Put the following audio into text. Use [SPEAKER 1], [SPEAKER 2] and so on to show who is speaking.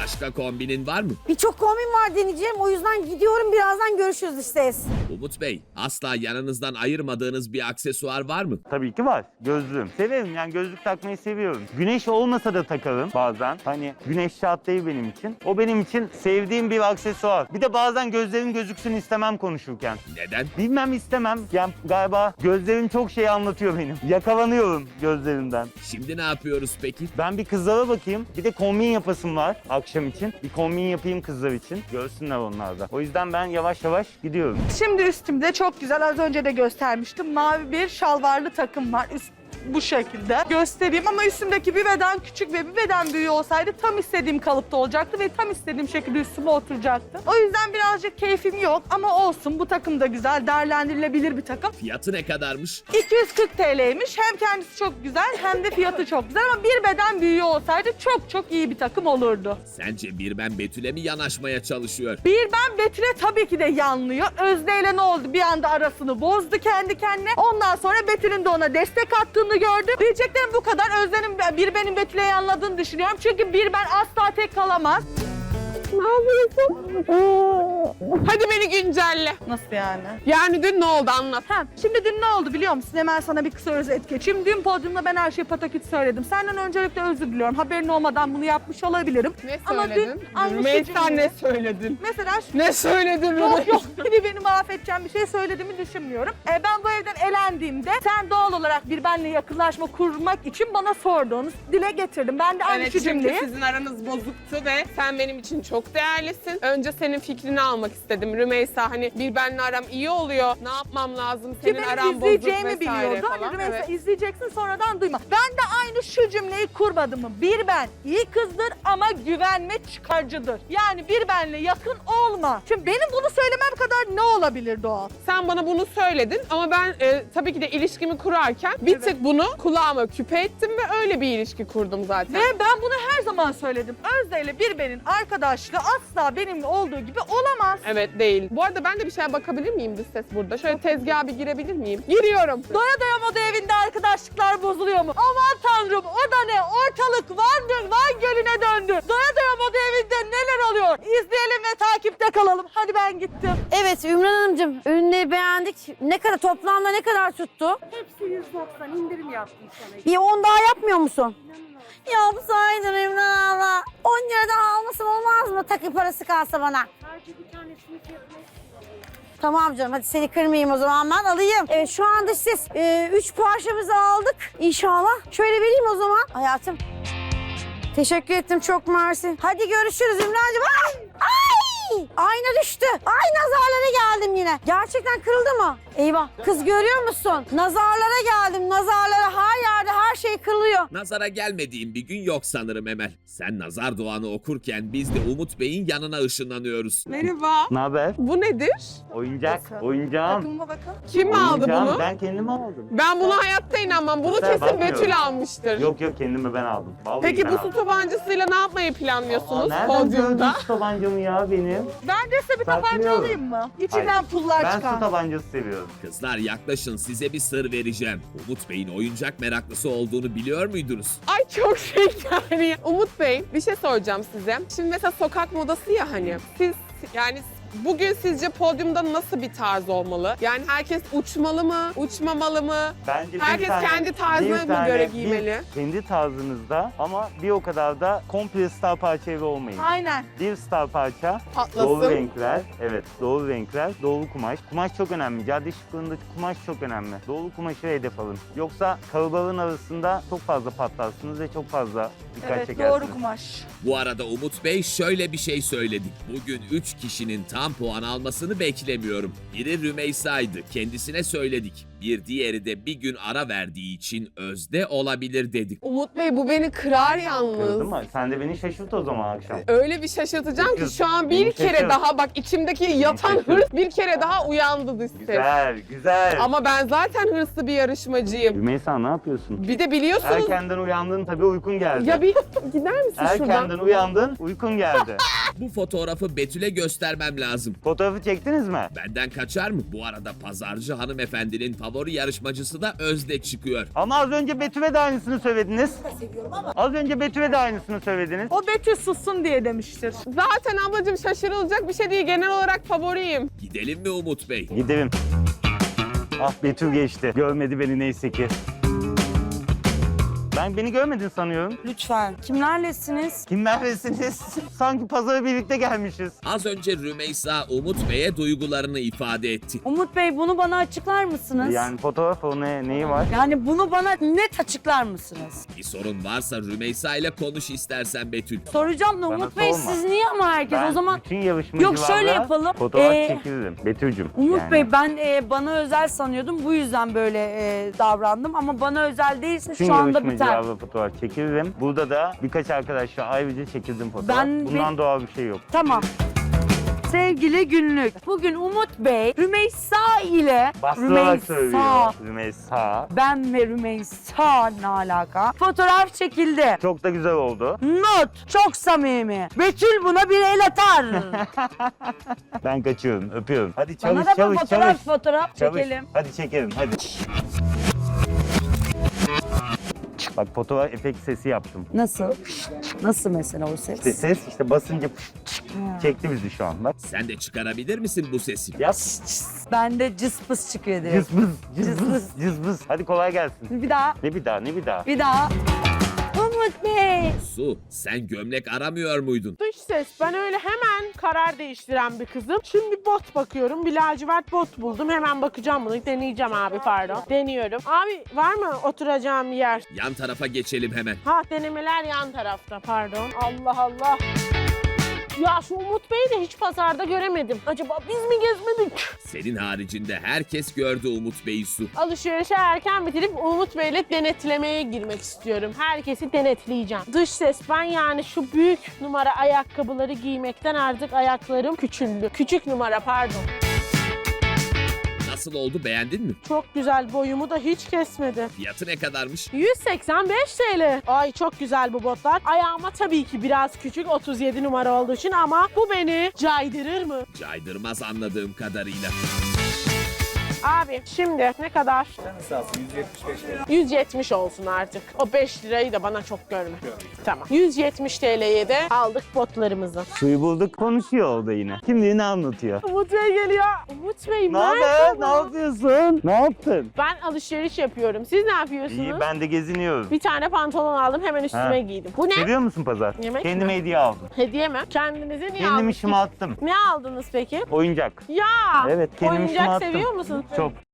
[SPEAKER 1] Başka kombinin var mı?
[SPEAKER 2] Birçok kombin var deneyeceğim. O yüzden gidiyorum. Birazdan görüşürüz işte.
[SPEAKER 1] Umut Bey, asla yanınızdan ayırmadığınız bir aksesuar var mı?
[SPEAKER 3] Tabii ki var. Gözlüğüm. Severim yani gözlük takmayı seviyorum. Güneş olmasa da takarım bazen. Hani güneş şart değil benim için. O benim için sevdiğim bir aksesuar. Bir de bazen gözlerim gözüksün istemem konuşurken.
[SPEAKER 1] Neden?
[SPEAKER 3] Bilmem istemem. Yani galiba gözlerim çok şey anlatıyor benim. Yakalanıyorum gözlerimden.
[SPEAKER 1] Şimdi ne yapıyoruz peki?
[SPEAKER 3] Ben bir kızlara bakayım. Bir de kombin yapasım var akşam için. Bir kombin yapayım kızlar için. Görsünler onlar da. O yüzden ben yavaş yavaş gidiyorum.
[SPEAKER 4] Şimdi üstümde çok güzel, az önce de göstermiştim. Mavi bir şalvarlı takım var. Bu şekilde göstereyim ama üstümdeki bir beden küçük ve bir beden büyüğü olsaydı tam istediğim kalıpta olacaktı ve tam istediğim şekilde üstüme oturacaktı. O yüzden birazcık keyfim yok ama olsun, bu takım da güzel, değerlendirilebilir bir takım.
[SPEAKER 1] Fiyatı ne kadarmış?
[SPEAKER 4] 240 TL'ymiş. Hem kendisi çok güzel hem de fiyatı çok güzel ama bir beden büyüğü olsaydı çok çok iyi bir takım olurdu.
[SPEAKER 1] Sence Birben Betül'e mi yanaşmaya çalışıyor?
[SPEAKER 4] Bir ben Betül'e tabii ki de yanlıyor. Özde ile ne oldu? Bir anda arasını bozdu kendi kendine. Ondan sonra Betül'ün de ona destek attığını gördüm. Diyeceklerim bu kadar. Özde'nin bir benim Betül'e yanladığını düşünüyorum. Çünkü bir ben asla tek kalamaz.
[SPEAKER 5] Ne yapıyorsun? Hadi beni güncelle.
[SPEAKER 4] Nasıl yani?
[SPEAKER 5] Yani dün ne oldu anlat.
[SPEAKER 4] Şimdi dün ne oldu biliyor musun? Hemen sana bir kısa özet geçeyim. Dün podyumda ben her şeyi pataküt söyledim. Senden öncelikle özür diliyorum. Haberin olmadan bunu yapmış olabilirim.
[SPEAKER 5] Ne
[SPEAKER 4] Ama
[SPEAKER 5] söyledin?
[SPEAKER 4] dün aynı
[SPEAKER 5] Rümeysa
[SPEAKER 4] şey
[SPEAKER 5] ne söyledin?
[SPEAKER 4] Mesela
[SPEAKER 5] Ne söyledin
[SPEAKER 4] yok yok beni mahvedeceğim bir şey söylediğimi düşünmüyorum. Ben bu evden elendiğimde sen doğal olarak bir benle yakınlaşma kurmak için bana sorduğunuz dile getirdim. Ben de aynı
[SPEAKER 5] Evet
[SPEAKER 4] şu
[SPEAKER 5] çünkü
[SPEAKER 4] cümleyi.
[SPEAKER 5] sizin aranız bozuktu ve sen benim için çok değerlisin. Önce senin fikrini almak istedim Rümeysa. Hani bir benle aram iyi oluyor. Ne yapmam lazım?
[SPEAKER 4] Ki
[SPEAKER 5] Senin
[SPEAKER 4] benim
[SPEAKER 5] aran bozuk
[SPEAKER 4] izleyeceğimi
[SPEAKER 5] vesaire
[SPEAKER 4] biliyordu.
[SPEAKER 5] falan.
[SPEAKER 4] Hani Rümeysa
[SPEAKER 5] Evet.
[SPEAKER 4] izleyeceksin sonradan duyma. Ben de aynı şu cümleyi kurmadım mı? Bir ben iyi kızdır ama güvenme çıkarcıdır. Yani bir benle yakın olma. Şimdi benim bunu söylemem kadar ne olabilir Doğal?
[SPEAKER 5] Sen bana bunu söyledin ama ben tabii ki de ilişkimi kurarken bir tık bunu kulağıma küpe ettim ve öyle bir ilişki kurdum zaten.
[SPEAKER 4] Ve ben bunu her zaman söyledim. Özde ile bir benin arkadaşlığı asla benimle olduğu gibi olamaz.
[SPEAKER 5] Evet değil. Bu arada ben de bir şeye bakabilir miyim dış ses burada? Şöyle tezgaha bir girebilir miyim? Giriyorum.
[SPEAKER 4] Doya doya moda evinde arkadaşlıklar bozuluyor mu? Aman tanrım, o da ne? Ortalık Van Gölü'ne döndü. Doya doya moda evinde neler oluyor? İzleyelim ve takipte kalalım. Hadi ben gittim.
[SPEAKER 2] Evet Ümran Hanımcığım, ürünleri beğendik. Ne kadar toplamda ne kadar tuttu?
[SPEAKER 4] Hepsi 190 indirim yaptım sana.
[SPEAKER 2] Bir 10 daha yapmıyor musun? Yapsaydın Ümran abla. 10 lira daha almasam olmaz mı? Takı parası kalsa bana.
[SPEAKER 4] Sadece bir tanesini fiyatına.
[SPEAKER 2] Tamam canım, hadi seni kırmayayım o zaman, ben alayım. Evet, şu anda siz 3 parçamızı aldık inşallah. Şöyle vereyim o zaman hayatım. Teşekkür ettim, çok mersi. Hadi görüşürüz Ümrancığım. Ay! Ay! Ayna düştü. Ay, nazarlara geldim yine. Gerçekten kırıldı mı? Eyvah. Kız görüyor musun? Nazarlara geldim, nazarlara. Her yerde her şey kırılıyor.
[SPEAKER 1] Nazara gelmediğin bir gün yok sanırım Emel. Sen nazar duanı okurken biz de Umut Bey'in yanına ışınlanıyoruz.
[SPEAKER 5] Merhaba.
[SPEAKER 3] Ne haber?
[SPEAKER 5] Bu nedir?
[SPEAKER 3] Oyuncak.
[SPEAKER 4] Nasıl?
[SPEAKER 3] Oyuncağım.
[SPEAKER 4] Takımıma bakın.
[SPEAKER 5] Kim aldı
[SPEAKER 3] Oyuncağım.
[SPEAKER 5] bunu?
[SPEAKER 3] Ben kendime aldım.
[SPEAKER 5] Ben buna hayatta inanmam. Bunu
[SPEAKER 3] Sen
[SPEAKER 5] kesin
[SPEAKER 3] bakmıyorum.
[SPEAKER 5] Betül almıştır.
[SPEAKER 3] Yok kendime ben aldım. Vallahi
[SPEAKER 5] Peki
[SPEAKER 3] ben
[SPEAKER 5] bu
[SPEAKER 3] aldım.
[SPEAKER 5] su tabancasıyla ne yapmayı planlıyorsunuz
[SPEAKER 3] Nereden
[SPEAKER 5] podyumda?
[SPEAKER 3] gördün su tabancamı ya benim?
[SPEAKER 4] Ben de size bir tabanca
[SPEAKER 3] Saklıyorum.
[SPEAKER 4] alayım mı? İçinden
[SPEAKER 3] Hayır.
[SPEAKER 4] pullar
[SPEAKER 3] Ben
[SPEAKER 4] çıkan.
[SPEAKER 3] su tabancası seviyorum.
[SPEAKER 1] Kızlar yaklaşın, size bir sır vereceğim. Umut Bey'in oyuncak meraklısı olduğunu biliyor muydunuz?
[SPEAKER 5] Ay çok şeker. Umut Bey bir şey soracağım size. Şimdi mesela sokak modası ya hani. Siz yani bugün sizce podyumda nasıl bir tarz olmalı? Yani herkes uçmalı mı, uçmamalı mı?
[SPEAKER 3] Bence
[SPEAKER 5] Herkes kendi tarzına mı göre giymeli?
[SPEAKER 3] Kendi tarzınızda ama bir o kadar da komple star parça evi olmayın.
[SPEAKER 4] Aynen.
[SPEAKER 3] Bir star parça,
[SPEAKER 5] Patlasın.
[SPEAKER 3] doğru renkler, evet doğru renkler, doğru kumaş. Kumaş çok önemli. Cadde şıklığındaki kumaş çok önemli. Doğru kumaşı hedef alın. Yoksa kalabalığın arasında çok fazla patlarsınız ve çok fazla dikkat
[SPEAKER 4] Evet,
[SPEAKER 3] çekersiniz.
[SPEAKER 4] doğru kumaş.
[SPEAKER 1] Bu arada Umut Bey şöyle bir şey söyledi. Bugün 3 kişinin tam puan almasını beklemiyorum. Biri Rümeysa'ydı, kendisine söyledik. Bir diğeri de bir gün ara verdiği için Özde olabilir dedik.
[SPEAKER 5] Umut Bey bu beni kırar yalnız.
[SPEAKER 3] Kırdın mı? Sen de beni şaşırt o zaman akşam.
[SPEAKER 5] Öyle bir şaşırtacağım ki şu an bir
[SPEAKER 3] Beni
[SPEAKER 5] kere
[SPEAKER 3] şaşırt.
[SPEAKER 5] daha bak içimdeki yatan
[SPEAKER 3] şaşırt.
[SPEAKER 5] hırs bir kere daha uyandı dış ses.
[SPEAKER 3] Güzel, güzel.
[SPEAKER 5] Ama ben zaten hırslı bir yarışmacıyım.
[SPEAKER 3] Rümeysa ne yapıyorsun?
[SPEAKER 5] Bir de biliyorsunuz
[SPEAKER 3] Erkenden uyandın tabii uykun geldi.
[SPEAKER 5] ya bir gider misin şuradan?
[SPEAKER 3] Erkenden uyandın, uykun geldi.
[SPEAKER 1] Bu fotoğrafı Betül'e göstermem lazım.
[SPEAKER 3] Fotoğrafı çektiniz mi?
[SPEAKER 1] Benden kaçar mı? Bu arada pazarcı hanımefendinin favori yarışmacısı da Özde çıkıyor.
[SPEAKER 3] Ama az önce Betül'e de aynısını söylediniz. Az önce Betül'e de aynısını söylediniz.
[SPEAKER 4] O Betül sussun diye demiştir.
[SPEAKER 5] Zaten ablacığım şaşırılacak bir şey değil. Genel olarak favoriyim.
[SPEAKER 1] Gidelim mi Umut Bey?
[SPEAKER 3] Gidelim. Ah Betül geçti. Görmedi beni neyse ki. Beni görmedin sanıyorum.
[SPEAKER 2] Lütfen. Kimlerlesiniz?
[SPEAKER 3] Kimlerlesiniz? Sanki pazara birlikte gelmişiz.
[SPEAKER 1] Az önce Rümeysa Umut Bey'e duygularını ifade etti.
[SPEAKER 2] Umut Bey bunu bana açıklar mısınız?
[SPEAKER 3] Yani fotoğraf o neyi var?
[SPEAKER 2] Yani bunu bana net açıklar mısınız?
[SPEAKER 1] Bir sorun varsa Rümeysa ile konuş istersen Betül.
[SPEAKER 2] Soracağım da
[SPEAKER 3] Bana
[SPEAKER 2] Umut Bey
[SPEAKER 3] sorma.
[SPEAKER 2] siz niye ama herkes
[SPEAKER 3] Ben
[SPEAKER 2] o zaman...
[SPEAKER 3] bütün yarışmacılarla
[SPEAKER 2] Yok, şöyle yapalım.
[SPEAKER 3] fotoğraf çekilirim. Betül'cüm.
[SPEAKER 2] Umut
[SPEAKER 3] yani.
[SPEAKER 2] Bey ben bana özel sanıyordum. Bu yüzden böyle davrandım ama bana özel değilse
[SPEAKER 3] Bütün
[SPEAKER 2] şu anda biter.
[SPEAKER 3] yarışmacılarla fotoğraf çekilirim. Burada da birkaç arkadaşla ayrıca çekildim fotoğraf. Bundan doğal bir şey yok.
[SPEAKER 2] Tamam. Sevgili günlük. Bugün Umut Bey Rümeysa ile
[SPEAKER 3] Bastırarak söylüyor. Rümeysa.
[SPEAKER 2] Ben ve Rümeysa ne alaka? Fotoğraf çekildi.
[SPEAKER 3] Çok da güzel oldu.
[SPEAKER 2] Not. Çok samimi. Betül buna bir el atar.
[SPEAKER 3] Ben kaçıyorum, öpüyorum. Hadi
[SPEAKER 2] Bana
[SPEAKER 3] çalış,
[SPEAKER 2] da bir
[SPEAKER 3] çalış.
[SPEAKER 2] fotoğraf
[SPEAKER 3] Çalış.
[SPEAKER 2] çekelim.
[SPEAKER 3] Hadi çekelim, hadi. Bak fotoğraf efekt sesi yaptım.
[SPEAKER 2] Nasıl? Nasıl mesela o ses?
[SPEAKER 3] İşte ses işte basınca çekti bizi şu an bak.
[SPEAKER 1] Sen de çıkarabilir misin bu sesi?
[SPEAKER 3] Yap.
[SPEAKER 2] Bende cıs pıs çıkıyor direkt.
[SPEAKER 3] Cızbız, cızbız, cızbız. Hadi kolay gelsin.
[SPEAKER 2] Bir daha.
[SPEAKER 3] Ne bir daha, ne bir daha.
[SPEAKER 2] Bir daha. Umut Bey.
[SPEAKER 1] Su, sen gömlek aramıyor muydun?
[SPEAKER 6] Dış ses. Ben öyle hemen karar değiştiren bir kızım. Şimdi bot bakıyorum. Bir lacivert bot buldum. Hemen bakacağım bunu. Deneyeceğim abi pardon. Deniyorum. Abi var mı oturacağım yer?
[SPEAKER 1] Yan tarafa geçelim hemen.
[SPEAKER 6] Ha denemeler yan tarafta pardon. Allah Allah. Ya şu Umut Bey'i de hiç pazarda göremedim. Acaba biz mi gezmedik?
[SPEAKER 1] Senin haricinde herkes gördü Umut Bey'i Su.
[SPEAKER 6] Alışverişe erken bitirip Umut Bey'le denetlemeye girmek istiyorum. Herkesi denetleyeceğim. Dış ses ben yani şu büyük numara ayakkabıları giymekten artık ayaklarım küçüldü. Küçük numara pardon.
[SPEAKER 1] Nasıl oldu, beğendin mi?
[SPEAKER 6] Çok güzel, boyumu da hiç kesmedi.
[SPEAKER 1] Fiyatı ne kadarmış?
[SPEAKER 6] 185 TL. Ay çok güzel bu botlar. Ayağıma tabii ki biraz küçük 37 numara olduğu için ama bu beni caydırır mı?
[SPEAKER 1] Caydırmaz anladığım kadarıyla.
[SPEAKER 6] Abi şimdi ne kadar? 170 olsun artık. O 5 lirayı da bana çok görme. Tamam. 170 TL'ye de aldık botlarımızı.
[SPEAKER 3] Suyu bulduk, konuşuyor o da yine. Kim ne anlatıyor?
[SPEAKER 6] Umut Bey geliyor. Umut Bey
[SPEAKER 3] Ne haber? Ne yapıyorsun? Ne yaptın?
[SPEAKER 6] Ben alışveriş yapıyorum. Siz ne yapıyorsunuz?
[SPEAKER 3] İyi, ben de geziniyorum.
[SPEAKER 6] Bir tane pantolon aldım hemen üstüme
[SPEAKER 3] Ha.
[SPEAKER 6] giydim. Bu ne?
[SPEAKER 3] Seviyor musun pazar?
[SPEAKER 6] Yemek
[SPEAKER 3] Kendime
[SPEAKER 6] mi?
[SPEAKER 3] hediye aldım.
[SPEAKER 6] Hediye mi? Kendinize niye
[SPEAKER 3] Kendim
[SPEAKER 6] aldınız?
[SPEAKER 3] işime attım.
[SPEAKER 6] Ne aldınız peki?
[SPEAKER 3] Oyuncak.
[SPEAKER 6] Ya!
[SPEAKER 3] Evet, kendim işime
[SPEAKER 6] Oyuncak
[SPEAKER 3] attım.
[SPEAKER 6] seviyor musun?
[SPEAKER 3] Çok.